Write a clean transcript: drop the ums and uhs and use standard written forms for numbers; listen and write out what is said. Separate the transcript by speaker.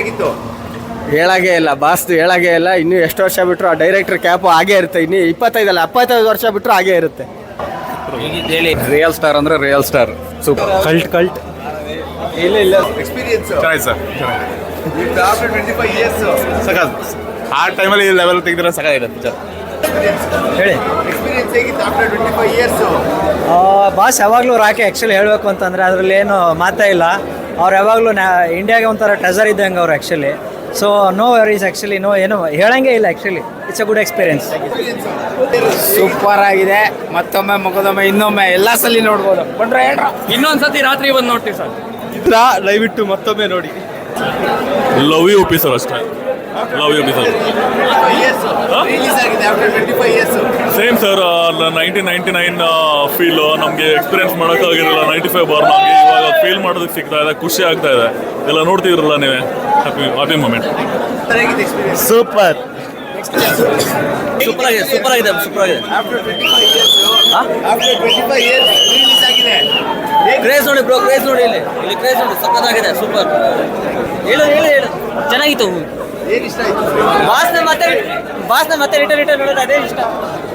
Speaker 1: ಹೇಗಿತ್ತು?
Speaker 2: ಹೇಳಾಗೇ ಇಲ್ಲ ಬಾಸ್ದು, ಹೇಳಾಗೇ ಇಲ್ಲ. ಇನ್ನೂ ಎಷ್ಟು ವರ್ಷ ಬಿಟ್ಟರು ಆ ಡೈರೆಕ್ಟರ್ ಕ್ಯಾಪು ಹಾಗೇ ಇರುತ್ತೆ. ಇನ್ನು 25 ವರ್ಷ ಬಿಟ್ಟರು ಹಾಗೇ ಇರುತ್ತೆ.
Speaker 3: ರಿಯಲ್ ಸ್ಟಾರ್ ಅಂದ್ರೆ ರಿಯಲ್ ಸ್ಟಾರ್. ಸೂಪರ್.
Speaker 2: ಕಲ್ಟ್
Speaker 1: ಇಲ್ಲ ಎಕ್ಸ್ಪೀರಿಯನ್ಸ್
Speaker 3: ಚೆನ್ನಾಗಿ ಸರ್.
Speaker 1: ಆಫ್ಟರ್ 25 ಇಯರ್ಸ್
Speaker 3: ಸಖತ್. ಆ ಟೈಮಲ್ಲಿ ಈ ಲೆವೆಲ್ ತೆಗೆದ್ರೆ ಸಖತ್ತಾಗಿದೆ ಪಿಕ್ಚರ್.
Speaker 2: ಹೇಳಿ.
Speaker 1: ಎಕ್ಸ್ಪೀರಿಯನ್ಸ್ ಹೇಗಿತ್ತು ಆಫ್ಟರ್ 25 ಇಯರ್ಸ್?
Speaker 2: ಬಾಸ್ ಯಾವಾಗಲೂ ರಾಕೆ ಆ್ಯಕ್ಚುಲಿ ಹೇಳಬೇಕು ಅಂತಂದರೆ ಅದರಲ್ಲಿ ಏನು ಮಾತೇ ಇಲ್ಲ. ಅವ್ರು ಯಾವಾಗಲೂ ಇಂಡಿಯಾಗೆ ಒಂಥರ ಟ್ರೆಸರ್ ಇದ್ದಂಗೆ ಅವ್ರು actually. So no worries actually, ಏನು ಹೇಳಂಗೆ ಇಲ್ಲ actually. It's a good experience.
Speaker 4: Super ಆಗಿದೆ. ಮತ್ತೊಮ್ಮೆ ಮುಖದೊಮ್ಮೆ ಇನ್ನೊಮ್ಮೆ ಎಲ್ಲ ಸಲ ನೋಡ್ಬೋದು. ಬಂದ್ರೆ ಹೇಳ್ರ
Speaker 5: ಇನ್ನೊಂದ್ಸತಿ ರಾತ್ರಿ ಬಂದು ನೋಡ್ತೀವಿ ಸರ್.
Speaker 2: ದಯವಿಟ್ಟು ಮತ್ತೊಮ್ಮೆ ನೋಡಿ.
Speaker 3: ಲವ್ ಯು ಪಿ ಸರ್ ಅಷ್ಟೇ. Love you Uppi sir.
Speaker 1: Release ಆಗಿದೆ after 25 years.
Speaker 3: Same sir. 1999 feel ನಮಗೆ ಎಕ್ಸ್ಪೀರಿಯನ್ಸ್ ಮಾಡೋಕ್ಕಾಗಿರಲಿಲ್ಲ. 95 ಬಾರ್ ನಮಗೆ ಇವಾಗ ಫೀಲ್ ಮಾಡೋದಕ್ಕೆ ಸಿಗ್ತಾ ಇದೆ. ಖುಷಿ ಆಗ್ತಾ ಇದೆ. ಎಲ್ಲ ನೋಡ್ತಿದ್ರಲ್ಲ ನೀವೇ. Happy moment.
Speaker 1: ಹೇಗಿತ್ತು ಎಕ್ಸ್ಪೀರಿಯನ್ಸ್?
Speaker 2: ಸೂಪರ್.
Speaker 5: ಸೂಪರ್ ಆಗಿದೆ.
Speaker 1: ಆಫ್ಟರ್ 25 ಇಯರ್ಸ್ ರಿಲೀಸ್ ಆಗಿದೆ.
Speaker 5: ಕ್ರೇಜ್ ನೋಡಿ ಬ್ರೋ, ಕ್ರೇಜ್ ನೋಡಿ. ಇಲ್ಲಿ ಕ್ರೇಜ್ ನೋಡಿ, ಸಕ್ಕತ್ತಾಗಿದೆ. ಸೂಪರ್. ಹೇಳು ಚೆನ್ನಾಗಿತ್ತು.
Speaker 1: ಏನು ಇಷ್ಟ ಆಯ್ತು?
Speaker 5: ಬಾಸ್ನ ಮತ್ತೆ ರಿಟರ್ನ್ ನೋಡೋದು ಅದೇ ಇಷ್ಟ.